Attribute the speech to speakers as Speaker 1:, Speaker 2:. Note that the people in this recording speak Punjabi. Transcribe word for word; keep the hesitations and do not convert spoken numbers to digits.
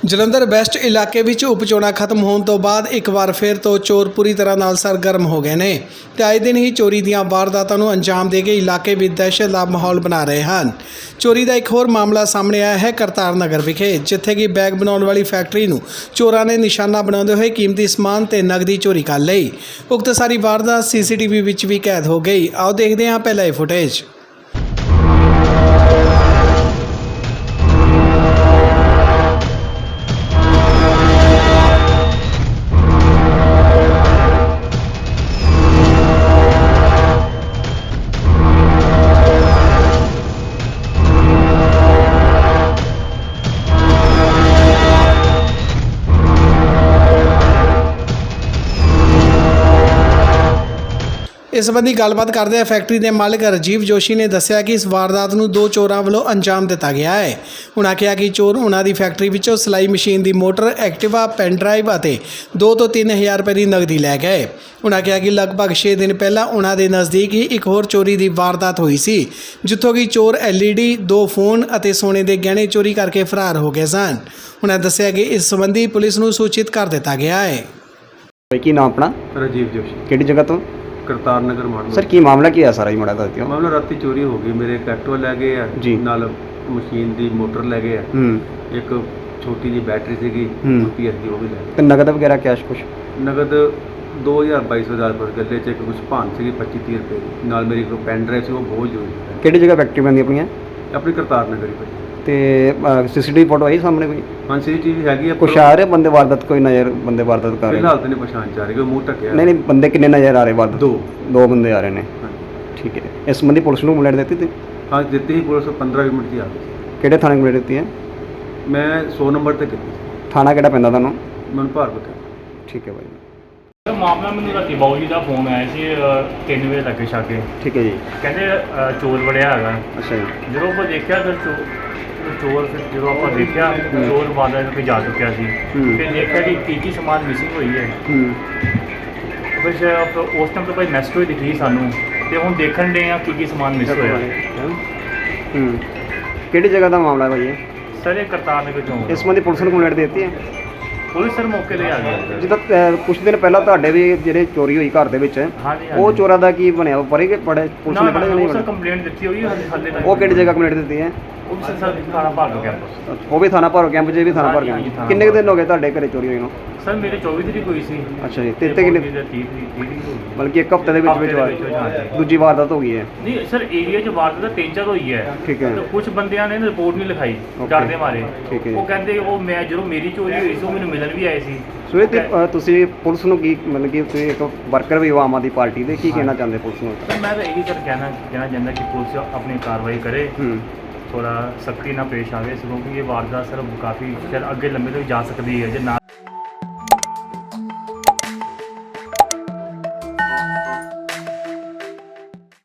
Speaker 1: ਜਲੰਧਰ ਵੈਸਟ ਇਲਾਕੇ ਵਿੱਚ ਉਪ ਚੋਣਾਂ ਖਤਮ ਹੋਣ ਤੋਂ ਬਾਅਦ ਇੱਕ ਵਾਰ ਫਿਰ ਤੋਂ ਚੋਰ ਪੂਰੀ ਤਰ੍ਹਾਂ ਨਾਲ ਸਰਗਰਮ ਹੋ ਗਏ ਨੇ ਤੇ ਆਏ ਦਿਨ ਹੀ ਚੋਰੀ ਦੀਆਂ ਵਾਰਦਾਤਾਂ ਨੂੰ ਅੰਜਾਮ ਦੇ ਕੇ ਇਲਾਕੇ ਵਿੱਚ ਦਹਿਸ਼ਤ ਦਾ ਮਾਹੌਲ ਬਣਾ ਰਹੇ ਹਨ। ਚੋਰੀ ਦਾ ਇੱਕ ਹੋਰ ਮਾਮਲਾ ਸਾਹਮਣੇ ਆਇਆ ਹੈ ਕਰਤਾਰ ਨਗਰ ਵਿਖੇ, ਜਿੱਥੇ ਕਿ ਬੈਗ ਬਣਾਉਣ ਵਾਲੀ ਫੈਕਟਰੀ ਨੂੰ ਚੋਰਾਂ ਨੇ ਨਿਸ਼ਾਨਾ ਬਣਾਉਂਦੇ ਹੋਏ ਕੀਮਤੀ ਸਮਾਨ ਤੇ ਨਗਦੀ ਚੋਰੀ ਕਰ ਲਈ। ਉਕਤ ਸਾਰੀ ਵਾਰਦਾਤ ਸੀਸੀਟੀਵੀ ਵਿੱਚ ਵੀ ਕੈਦ ਹੋ ਗਈ। ਆਓ ਦੇਖਦੇ ਹਾਂ ਪਹਿਲਾ ਇਹ ਫੁਟੇਜ। इस संबंधी गलबात करदे फैक्ट्री के मालिक राजीव जोशी ने दस्सिया कि इस वारदात नूं दो चोरां वालों अंजाम दिता गया है। उन्होंने कहा कि चोर उन्हां दी फैक्ट्री विचों सिलाई मशीन की मोटर, एक्टिवा, पेन ड्राइव और दो तो तीन हज़ार रुपए की नगदी लै गए। उन्होंने कहा कि लगभग छे दिन पहला उन्हां दे नज़दीक ही एक होर चोरी की वारदात हुई सी, जिथों कि चोर एल ई डी, दो फोन और सोने के गहने चोरी करके फरार हो गए सन। उन्होंने दस्सिया कि इस संबंधी पुलिस नूं सूचित कर दिता गया है।
Speaker 2: की नाम अपना?
Speaker 3: राजीव जोशी।
Speaker 2: किहड़ी जगह तो?
Speaker 3: करतार नगर माड़।
Speaker 2: सर की मामला की है सारा ही माड़ा करते हो?
Speaker 3: मामला राती चोरी हो गई, मेरे एक एक्टिवा लै गए है
Speaker 2: जी,
Speaker 3: नाल मशीन दी मोटर लै गए है, एक छोटी जी बैटरी सीगी पी एस दी वो भी लै गए।
Speaker 2: नगद वगैरह कैश कुछ?
Speaker 3: नगद दो हज़ार बाईस हज़ार पर गले च एक कुछ भान सी पच्ची तीह रुपए की, नाल मेरी एक पेन ड्राइव से वो बहुत जरूरी है।
Speaker 2: किहड़ी जगह फैक्ट्री बनदी अपनी?
Speaker 3: अपनी करतार नगर ही भाई।
Speaker 2: ते सीसीटीवी फोटो आई सामने कोई?
Speaker 3: हाँ सीसीटीवी हैगी है।
Speaker 2: कुछ आ रहे बंदे वारदात, कोई नजर बंदे वारदात कर रहे?
Speaker 3: फिलहाल तो नहीं पहचान चा रही, कोई मुंह ढके।
Speaker 2: नहीं नहीं बंदे कितने नजर आ रहे वारदात?
Speaker 3: दो
Speaker 2: दो बंदे आ रहे हैं। ठीक है, इस संबंधी पुलिस को कंप्लेंट देती थी?
Speaker 3: हाँ देती ही पुलिस पंद्रह मिनट की आ गई।
Speaker 2: किहड़े थाने कंप्लेंट देती है?
Speaker 3: मैं सौ नंबर तक की।
Speaker 2: थाना किहड़ा पैंदा तुहानूं?
Speaker 3: मन भार बता।
Speaker 2: ठीक है भाई।
Speaker 4: ਮਾਮਲਾ ਮੈਨੂੰ ਰਾਤੀ ਬਾਊ ਜੀ ਦਾ ਫੋਨ ਆਇਆ ਸੀ ਤਿੰਨ ਵਜੇ ਲੱਗੇ ਛਾਗੇ।
Speaker 2: ਠੀਕ ਹੈ ਜੀ।
Speaker 4: ਕਹਿੰਦੇ ਚੋਰ ਵੜਿਆ ਹੈਗਾ।
Speaker 2: ਅੱਛਾ ਜੀ।
Speaker 4: ਜਦੋਂ ਆਪਾਂ ਦੇਖਿਆ ਫਿਰ ਚੋਰ ਫਿਰ ਜਦੋਂ ਆਪਾਂ ਦੇਖਿਆ ਚੋਰ ਬਾਦਾ ਤੇ ਜਾ ਚੁੱਕਿਆ ਸੀ। ਫਿਰ ਦੇਖਿਆ ਕਿ ਕੀ ਕੀ ਸਮਾਨ ਮਿਸਿੰਗ ਹੋਈ ਹੈ। ਫਿਰ ਉਸ ਟਾਈਮ ਤੋਂ ਭਾਈ ਮੈਸੇਜ ਦਿਖੀ ਸਾਨੂੰ ਤੇ ਹੁਣ ਦੇਖਣ ਦੇ ਆ ਕੀ ਕੀ ਸਮਾਨ ਮਿਸ ਹੋਇਆ।
Speaker 2: ਕਿਹੜੀ ਜਗ੍ਹਾ ਦਾ ਮਾਮਲਾ ਭਾਈ ਇਹ?
Speaker 4: ਸਰ ਇਹ ਕਰਤਾਰ ਨਗਰ ਚੋਂ।
Speaker 2: ਇਸ ਸੰਬੰਧੀ ਪੁਲਿਸ ਨੂੰ ਕੰਪਲੇਂਟ ਦਿੱਤੀ ਹੈ?
Speaker 4: ਪੁਲਿਸ ਸਰ ਮੌਕੇ ਤੇ ਆ ਗਈ।
Speaker 2: ਜਿੱਦਾਂ ਕੁਝ ਦਿਨ ਪਹਿਲਾਂ ਤੁਹਾਡੇ ਵੀ ਜਿਹੜੇ ਚੋਰੀ ਹੋਈ ਘਰ ਦੇ ਵਿੱਚ,
Speaker 4: ਹਾਂਜੀ
Speaker 2: ਉਹ ਚੋਰਾਂ ਦਾ ਕੀ ਬਣਿਆ? ਪਰੇ ਕਿ ਪੜੇ ਪੁਲਿਸ ਨੇ ਪੜੇ ਨਹੀਂ?
Speaker 4: ਸਰ ਕੰਪਲੇਂਟ ਦਿੱਤੀ ਹੋਈ ਹਾਲੇ ਹਾਲੇ ਤੱਕ।
Speaker 2: ਉਹ ਕਿਹੜੀ ਜਗ੍ਹਾ ਕੰਪਲੇਂਟ ਦਿੱਤੀ ਹੈ?
Speaker 4: ਉਹ ਵੀ ਸਰ ਥਾਣਾ ਭਾਰਗੋ ਕੈਂਪਸ।
Speaker 2: ਉਹ ਵੀ ਥਾਣਾ ਭਾਰਗੋ ਕੈਂਪ 'ਚ ਵੀ ਥਾਣਾ ਭਾਰਗੋ ਕੈਂਪ। ਕਿੰਨੇ ਕੁ ਦਿਨ ਹੋ ਗਏ ਤੁਹਾਡੇ ਘਰੇ ਚੋਰੀ ਹੋਈ ਨੂੰ?
Speaker 4: ਸਰ ਮੇਰੇ ਚੌਵੀ ਤਰੀਕ ਹੋਈ ਸੀ।
Speaker 2: ਅੱਛਾ ਜੀ। ਤੇ ਕਿੰਨੇ? ਬਲਕਿ ਇੱਕ ਹਫ਼ਤੇ ਦੇ ਵਿੱਚ ਵਿੱਚ ਦੂਜੀ ਵਾਰਦਾਤ ਹੋ ਗਈ ਹੈ?
Speaker 4: ਨਹੀਂ ਸਰ ਏਰੀਆ 'ਚ ਵਾਰਦਾਤ ਤਿੰਨ ਚਾਰ ਹੋਈ ਹੈ।
Speaker 2: ਠੀਕ ਹੈ।
Speaker 4: ਕੁਝ ਬੰਦਿਆਂ ਨੇ ਰਿਪੋਰਟ ਨਹੀਂ ਲਿਖਾਈ ਡਰਦੇ ਮਾਰੇ।
Speaker 2: ਠੀਕ ਹੈ।
Speaker 4: ਉਹ ਕਹਿੰਦੇ ਉਹ ਮੈਂ ਜਦੋਂ ਮੇਰੀ ਚੋਰੀ ਹੋਈ ਸੀ ਉਹ ਮੈਨੂੰ ਮਿਲਣ ਵੀ ਆਏ ਸੀ।
Speaker 2: ਸੋ ਇਹ ਤੇ ਤੁਸੀਂ ਪੁਲਿਸ ਨੂੰ ਕੀ ਮਤਲਬ ਕਿ ਤੁਸੀਂ ਇੱਕ ਵਰਕਰ ਵੀ ਹੋ ਆਮ ਆਦਮੀ ਪਾਰਟੀ ਦੇ, ਕੀ ਕਹਿਣਾ ਚਾਹੁੰਦੇ ਪੁਲਿਸ ਨੂੰ?
Speaker 4: ਸਰ ਮੈਂ ਤਾਂ ਇਹੀ ਸਰ ਕਹਿਣਾ ਕਹਿਣਾ ਚਾਹੁੰਦਾ ਕਿ ਪੁਲਿਸ ਆਪਣੀ ਕਾਰਵਾਈ ਕਰੇ, ਥੋੜਾ ਸਖਤੀ ਨਾਲ ਪੇਸ਼ ਆਵੇ, ਕਿਉਂਕਿ ਇਹ ਵਾਰਦਾਤ ਸਰ ਕਾਫੀ ਸ਼ਾਇਦ ਅੱਗੇ ਲੰਬੇ ਤੱਕ ਜਾ ਸਕਦੀ ਹੈ ਜੇ ਨਾ